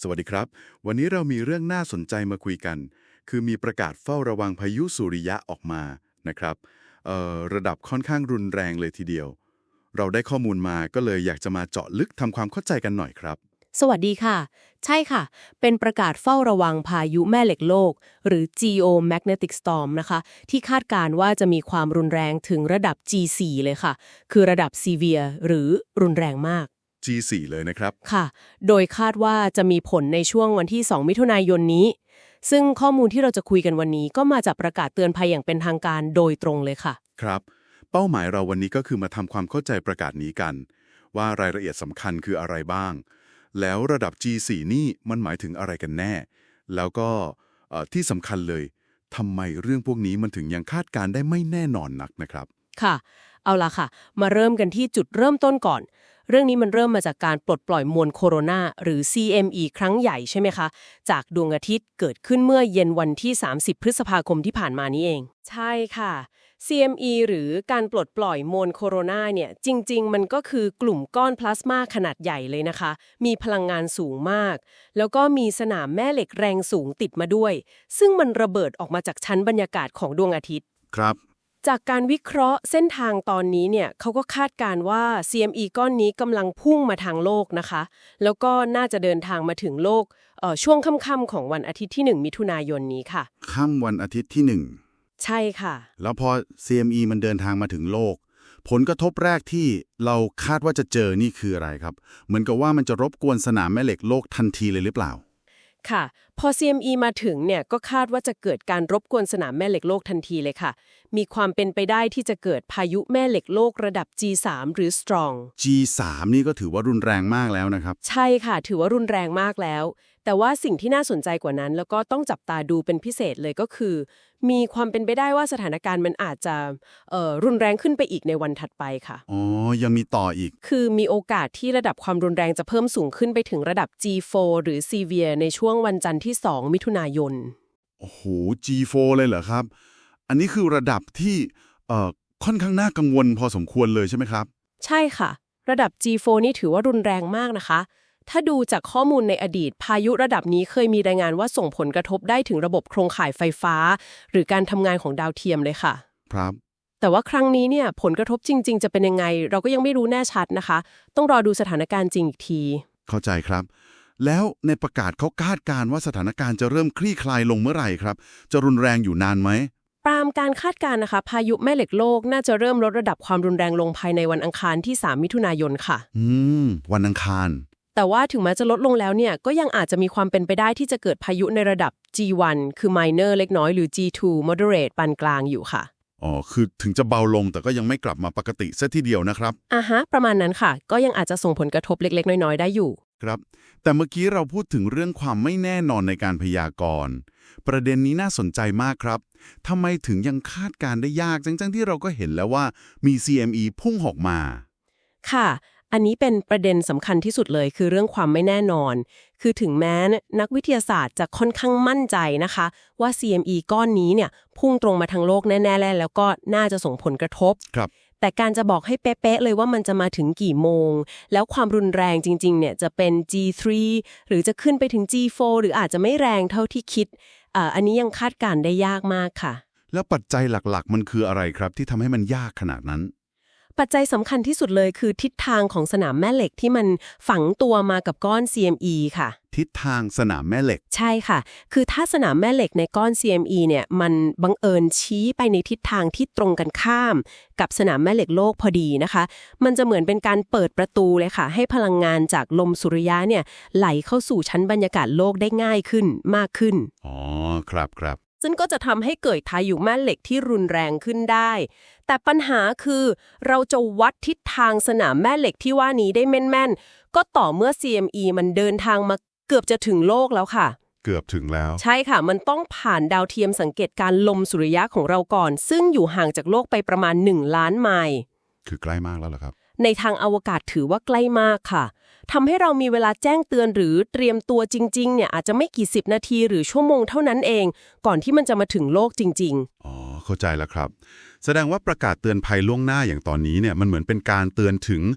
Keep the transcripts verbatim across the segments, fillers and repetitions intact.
สวัสดีครับวันนี้เรามีเรื่องน่าสนใจมาคุยกันคือมีประกาศเฝ้าระวังพายุสุริยะออกมานะครับเอ่อระดับค่อนข้างรุนแรงเลยทีเดียวเราได้ข้อมูลมาก็เลยอยากจะมาเจาะลึกทำความเข้าใจกันหน่อยครับสวัสดีค่ะใช่ค่ะเป็นประกาศเฝ้าระวังพายุแม่เหล็กโลกหรือ Geomagnetic Storm นะคะที่คาดการณ์ว่าจะมีความรุนแรงถึงระดับ จี โฟร์ เลยค่ะคือระดับ Severe หรือรุนแรงมากจี โฟร์ เลยนะครับค่ะโดยคาดว่าจะมีผลในช่วงวันที่สองมิถุนายนนี้ซึ่งข้อมูลที่เราจะคุยกันวันนี้ก็มาจากประกาศเตือนภัยอย่างเป็นทางการโดยตรงเลยค่ะครับเป้าหมายเราวันนี้ก็คือมาทำความเข้าใจประกาศนี้กันว่ารายละเอียดสำคัญคืออะไรบ้างแล้วระดับ จี โฟร์ นี่มันหมายถึงอะไรกันแน่แล้วก็เอ่อที่สำคัญเลยทำไมเรื่องพวกนี้มันถึงยังคาดการณ์ได้ไม่แน่นอนนักนะครับค่ะเอาล่ะค่ะมาเริ่มกันที่จุดเริ่มต้นก่อนเรื่องนี้มันเริ่มมาจากการปลดปล่อยมวลโคโรนาหรือ ซี เอ็ม อี ครั้งใหญ่ใช่ไหมคะจากดวงอาทิตย์เกิดขึ้นเมื่อเย็นวันที่สามสิบพฤษภาคมที่ผ่านมานี้เองใช่ค่ะ ซี เอ็ม อี หรือการปลดปล่อยมวลโคโรนาเนี่ยจริงๆมันก็คือกลุ่มก้อนพลาสมาขนาดใหญ่เลยนะคะมีพลังงานสูงมากแล้วก็มีสนามแม่เหล็กแรงสูงติดมาด้วยซึ่งมันระเบิดออกมาจากชั้นบรรยากาศของดวงอาทิตย์ครับจากการวิเคราะห์เส้นทางตอนนี้เนี่ยเขาก็คาดการณ์ว่า ซี เอ็ม อี ก้อนนี้กำลังพุ่งมาทางโลกนะคะแล้วก็น่าจะเดินทางมาถึงโลกเอ่อช่วงค่ำๆของวันอาทิตย์ที่หนึ่งมิถุนายนนี้ค่ะค่ำวันอาทิตย์ที่หนึ่งใช่ค่ะแล้วพอ ซี เอ็ม อี มันเดินทางมาถึงโลกผลกระทบแรกที่เราคาดว่าจะเจอนี่คืออะไรครับเหมือนกับว่ามันจะรบกวนสนามแม่เหล็กโลกทันทีเลยหรือเปล่าค่ะพอ ซี เอ็ม อี มาถึงเนี่ยก็คาดว่าจะเกิดการรบกวนสนามแม่เหล็กโลกทันทีเลยค่ะมีความเป็นไปได้ที่จะเกิดพายุแม่เหล็กโลกระดับ จี ทรี หรือ Strong จี ทรี นี่ก็ถือว่ารุนแรงมากแล้วนะครับใช่ค่ะถือว่ารุนแรงมากแล้วแต่ว่าสิ่งที่น่าสนใจกว่านั้นแล้วก็ต้องจับตาดูเป็นพิเศษเลยก็คือมีความเป็นไปได้ว่าสถานการณ์มันอาจจะเอ่อรุนแรงขึ้นไปอีกในวันถัดไปค่ะอ๋อยังมีต่ออีกคือมีโอกาสที่ระดับความรุนแรงจะเพิ่มสูงขึ้นไปถึงระดับ จี โฟร์ หรือ Severe ในช่วงวันจันทร์ที่สองมิถุนายนโอ้โห จี โฟร์ เลยเหรอครับอันนี้คือระดับที่เอ่อค่อนข้างน่ากังวลพอสมควรเลยใช่ไหมครับใช่ค่ะระดับ จี โฟร์ นี่ถือว่ารุนแรงมากนะคะถ้าดูจากข้อมูลในอดีตพายุระดับนี้เคยมีรายงานว่าส่งผลกระทบได้ถึงระบบโครงข่ายไฟฟ้าหรือการทำงานของดาวเทียมเลยค่ะครับแต่ว่าครั้งนี้เนี่ยผลกระทบจริงๆจะเป็นยังไงเราก็ยังไม่รู้แน่ชัดนะคะต้องรอดูสถานการณ์จริงอีกทีเข้าใจครับแล้วในประกาศเขาคาดการณ์ว่าสถานการณ์จะเริ่มคลี่คลายลงเมื่อไหร่ครับจะรุนแรงอยู่นานไหมตามการคาดการณ์นะคะพายุแม่เหล็กโลกน่าจะเริ่มลดระดับความรุนแรงลงภายในวันอังคารที่สามมิถุนายนค่ะอืมวันอังคารแต่ว่าถึงแม้จะลดลงแล้วเนี่ยก็ยังอาจจะมีความเป็นไปได้ที่จะเกิดพายุในระดับ จี วัน คือ minor เล็กน้อยหรือ จี ทู moderate ปานกลางอยู่ค่ะอ๋อคือถึงจะเบาลงแต่ก็ยังไม่กลับมาปกติซะทีเดียวนะครับอ่าฮะประมาณนั้นค่ะก็ยังอาจจะส่งผลกระทบเล็กๆน้อยๆได้อยู่ครับแต่เมื่อกี้เราพูดถึงเรื่องความไม่แน่นอนในการพยากรณ์ประเด็นนี้น่าสนใจมากครับทำไมถึงยังคาดการณ์ได้ยากจังๆที่เราก็เห็นแล้วว่ามี ซี เอ็ม อี พุ่งออกมาค่ะอันนี้เป็นประเด็นสำคัญที่สุดเลยคือเรื่องความไม่แน่นอนคือถึงแม้นักวิทยาศาสตร์จะค่อนข้างมั่นใจนะคะว่า ซี เอ็ม อี ก้อนนี้เนี่ยพุ่งตรงมาทางโลกแน่ๆแล้วก็น่าจะส่งผลกระทบครับแต่การจะบอกให้เป๊ะๆเลยว่ามันจะมาถึงกี่โมงแล้วความรุนแรงจริงๆเนี่ยจะเป็น จี ทรี หรือจะขึ้นไปถึง จี โฟร์ หรืออาจจะไม่แรงเท่าที่คิดอ่าอันนี้ยังคาดการณ์ได้ยากมากค่ะแล้วปัจจัยหลักๆมันคืออะไรครับที่ทำให้มันยากขนาดนั้นปัจจัยสำคัญที่สุดเลยคือทิศทางของสนามแม่เหล็กที่มันฝังตัวมากับก้อน ซี เอ็ม อี ค่ะทิศทางสนามแม่เหล็กใช่ค่ะคือถ้าสนามแม่เหล็กในก้อน ซี เอ็ม อี เนี่ยมันบังเอิญชี้ไปในทิศทางที่ตรงกันข้ามกับสนามแม่เหล็กโลกพอดีนะคะมันจะเหมือนเป็นการเปิดประตูเลยค่ะให้พลังงานจากลมสุริยะเนี่ยไหลเข้าสู่ชั้นบรรยากาศโลกได้ง่ายขึ้นมากขึ้นอ๋อครับครับซึ่งก็จะทำให้เกิดพายุแม่เหล็กที่รุนแรงขึ้นได้แต่ปัญหาคือเราจะวัดทิศทางสนามแม่เหล็กที่ว่านี้ได้แม่นๆก็ต่อเมื่อ ซี เอ็ม อี มันเดินทางมาเกือบจะถึงโลกแล้วค่ะเกือบถึงแล้วใช่ค่ะมันต้องผ่านดาวเทียมสังเกตการลมสุริยะของเราก่อนซึ่งอยู่ห่างจากโลกไปประมาณหนึ่งล้านไมล์คือใกล้มากแล้วเหรอครับในทางอวกาศถือว่าใกล้มากค่ะทำให้เรามีเวลาแจ้งเตือนหรือเตรียมตัวจริงๆเนี่ยอาจจะไม่กี่สิบนาทีหรือชั่วโมงเท่านั้นเองก่อนที่มันจะมาถึงโลกจริงๆอ๋อเข้าใจแล้วครับแสดงว่าประกาศเตือนภัยล่วงหน้าอย่างตอนนี้เนี่ยมันเหมือนเป็นการเตือนถึง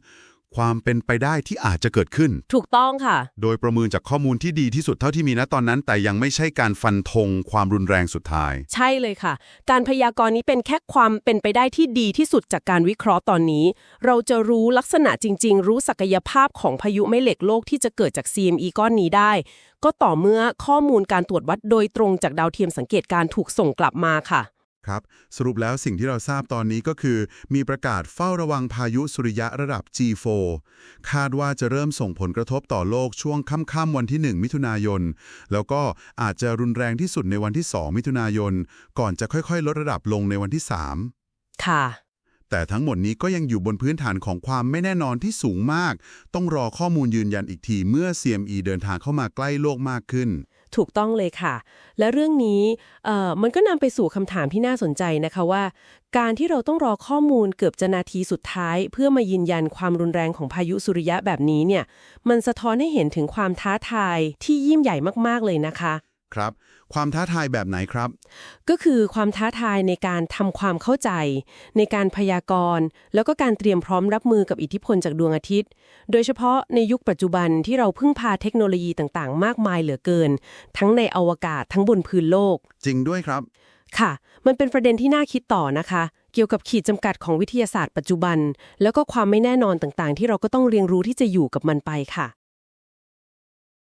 ความเป็นไปได้ที่อาจจะเกิดขึ้นถูกต้องค่ะโดยประเมินจากข้อมูลที่ดีที่สุดเท่าที่มีณตอนนั้น แต่ยังไม่ใช่การฟันธงความรุนแรงสุดท้ายใช่เลยค่ะ การพยากรณ์นี้เป็นแค่ความเป็นไปได้ที่ดีที่สุดจากการวิเคราะห์ตอนนี้ เราจะรู้ลักษณะจริงๆ รู้ศักยภาพของพายุแม่เหล็กโลกที่จะเกิดจาก ซี เอ็ม อี ก้อนนี้ได้ ก็ต่อเมื่อข้อมูลการตรวจวัดโดยตรงจากดาวเทียมสังเกตการณ์ถูกส่งกลับมาค่ะครับสรุปแล้วสิ่งที่เราทราบตอนนี้ก็คือ มีประกาศเฝ้าระวังพายุสุริยะระดับ จี โฟร์ คาดว่าจะเริ่มส่งผลกระทบต่อโลกช่วงค่ำๆวันที่ หนึ่ง มิถุนายน แล้วก็อาจจะรุนแรงที่สุดในวันที่ สอง มิถุนายน ก่อนจะค่อยๆ ลดระดับลงในวันที่ สามค่ะแต่ทั้งหมดนี้ก็ยังอยู่บนพื้นฐานของความไม่แน่นอนที่สูงมาก ต้องรอข้อมูลยืนยันอีกทีเมื่อ ซี เอ็ม อี เดินทางเข้ามาใกล้โลกมากขึ้นถูกต้องเลยค่ะ และเรื่องนี้เอ่อมันก็นำไปสู่คำถามที่น่าสนใจนะคะว่า การที่เราต้องรอข้อมูลเกือบจะนาทีสุดท้าย เพื่อมายืนยันความรุนแรงของพายุสุริยะแบบนี้เนี่ย มันสะท้อนให้เห็นถึงความท้าทายที่ยิ่งใหญ่มากๆเลยนะคะครับ ความท้าทายแบบไหนครับก็คือความท้าทายในการทำความเข้าใจ ในการพยากรณ์แล้วก็การเตรียมพร้อมรับมือกับอิทธิพลจากดวงอาทิตย์ โดยเฉพาะในยุคปัจจุบันที่เราพึ่งพาเทคโนโลยีต่างๆ มากมายเหลือเกิน ทั้งในอวกาศทั้งบนพื้นโลกจริงด้วยครับค่ะ มันเป็นประเด็นที่น่าคิดต่อนะคะ เกี่ยวกับขีดจำกัดของวิทยาศาสตร์ปัจจุบัน แล้วก็ความไม่แน่นอนต่างๆ ที่เราก็ต้องเรียนรู้ที่จะอยู่กับมันไปค่ะ